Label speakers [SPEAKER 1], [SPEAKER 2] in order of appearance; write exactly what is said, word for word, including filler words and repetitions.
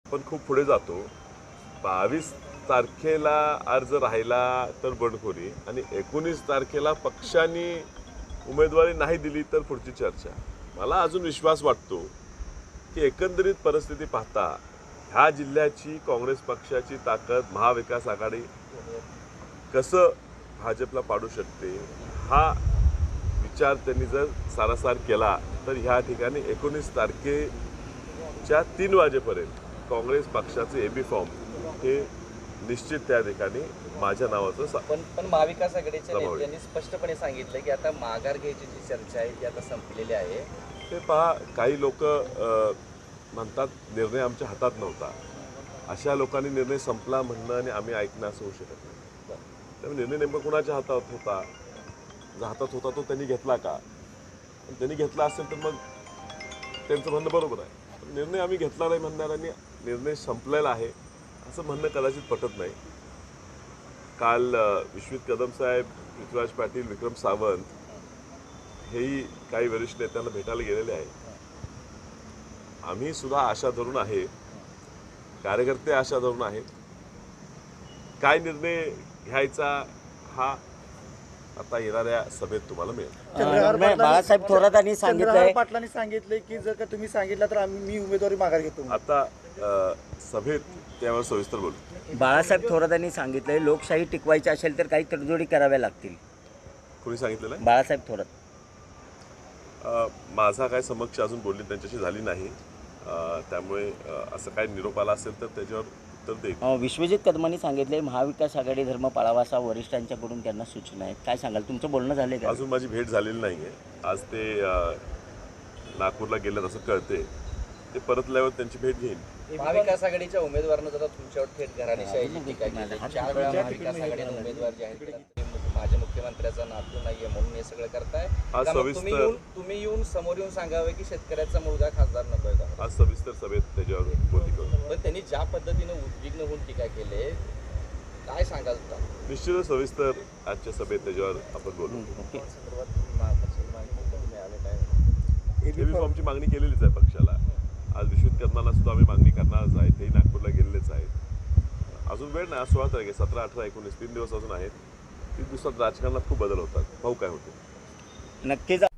[SPEAKER 1] पण खूप पुढे जातो. बावीस तारखेला अर्ज राहिला तर बंडखोरी आणि एकोणीस तारखेला पक्षांनी उमेदवारी नाही दिली तर पुढची चर्चा. मला अजून विश्वास वाटतो की एकंदरीत परिस्थिती पाहता ह्या जिल्ह्याची काँग्रेस पक्षाची ताकद महाविकास आघाडी कसं भाजपला पाडू शकते हा विचार त्यांनी जर सारासार केला तर ह्या ठिकाणी एकोणीस तारखेच्या तीन वाजेपर्यंत काँग्रेस पक्षाचे एबी फॉर्म हे निश्चित त्या ठिकाणी माझ्या नावाचं
[SPEAKER 2] पण पण महाविकास आघाडीच्या नेत्यांनी स्पष्टपणे सांगितलं की आता माघार घ्यायची जी चर्चा आहे ती आता संपलेली आहे.
[SPEAKER 1] ते पहा, काही लोक म्हणतात निर्णय आमच्या हातात नव्हता. अशा लोकांनी निर्णय संपला म्हणणं आणि आम्ही ऐकणं असं होऊ शकत नाही. त्यामुळे निर्णय नेमका कुणाच्या हातात होता, जर हातात होता तो त्यांनी घेतला का? त्यांनी घेतला असेल तर मग त्यांचं म्हणणं बरोबर आहे. निर्णय आम्ही घेतला नाही म्हणणाऱ्यांनी निर्णय संपलेला आहे असं म्हणणं कदाचित पटत नाही. काल विश्वित कदम साहेब, पृथ्वीराज पाटील, विक्रम सावंत हेही काही वरिष्ठ नेत्यांना भेटायला गेलेले आहेत. आम्ही सुद्धा आशा धरून आहे, कार्यकर्ते आशा धरून आहेत. काय निर्णय घ्यायचा हा आता येणाऱ्या सभेत तुम्हाला मिळेल.
[SPEAKER 3] बाळासाहेब थोरातांनी सांगितलंय
[SPEAKER 4] पाटलांनी सांगितलंय की जर का तुम्ही सांगितलं तर आम्ही मी उमेदवारी माघार घेतो.
[SPEAKER 1] आता सभेत त्यावर सविस्तर बोलू.
[SPEAKER 3] बाळासाहेब थोरातांनी सांगितलंय लोकशाही टिकवायची असेल तर काही तडजोडी कराव्या लागतील.
[SPEAKER 1] कोणी सांगितलेलं आहे?
[SPEAKER 3] बाळासाहेब थोरात.
[SPEAKER 1] माझा काय समक्ष अजून बोलणी त्यांच्याशी झाली नाही, त्यामुळे असं काय निरोप आला असेल तर त्याच्यावर उत्तर देईल.
[SPEAKER 3] विश्वजित कदमांनी सांगितले महाविकास आघाडी धर्म पाळावा असा वरिष्ठांच्याकडून त्यांना सूचना आहेत. काय सांगाल, तुमचं बोलणं झालंय का?
[SPEAKER 1] अजून माझी भेट झालेली नाही आहे. आज ते नागपूरला गेल्यात असं कळते. ते परतल्यावर त्यांची भेट घेईन.
[SPEAKER 2] महाविकास आघाडीच्या उमेदवारानं जर तुमच्यावर थेट घराणेशाहीची टीका केली. चार वेळा महाविकास आघाडीने उमेदवार जाहीर केला. माझ्या मुख्यमंत्र्याचा नातू नाहीये म्हणून हे सगळं करताय. तुम्ही येऊन तुम्ही येऊन समोर येऊन सांगावे की शेतकऱ्याचा मुलगा खासदार नकोय का?
[SPEAKER 1] आज सविस्तर सभेत त्याच्यावर बोलणी करू.
[SPEAKER 2] पण त्यांनी ज्या पद्धतीने उद्विग्न होऊन टीका केली, काय सांगाल?
[SPEAKER 1] निश्चितच सविस्तर आजच्या सभेत त्याच्यावर आपण बोलू. एबी फॉर्मची मागणी केलेलीच आहे पक्षाला. आज विश्वित कदमांना सुद्धा आम्ही मागणी करणारच आहे. तेही नागपूरला गेलेलेच आहेत. अजून वेळ नाही. आज सोळा तारीख आहे, सतरा अठरा एकोणीस तीन दिवस अजून आहेत. तीन दिवसात राजकारणात खूप बदल होतात. पाहू काय होते.
[SPEAKER 3] नक्कीच.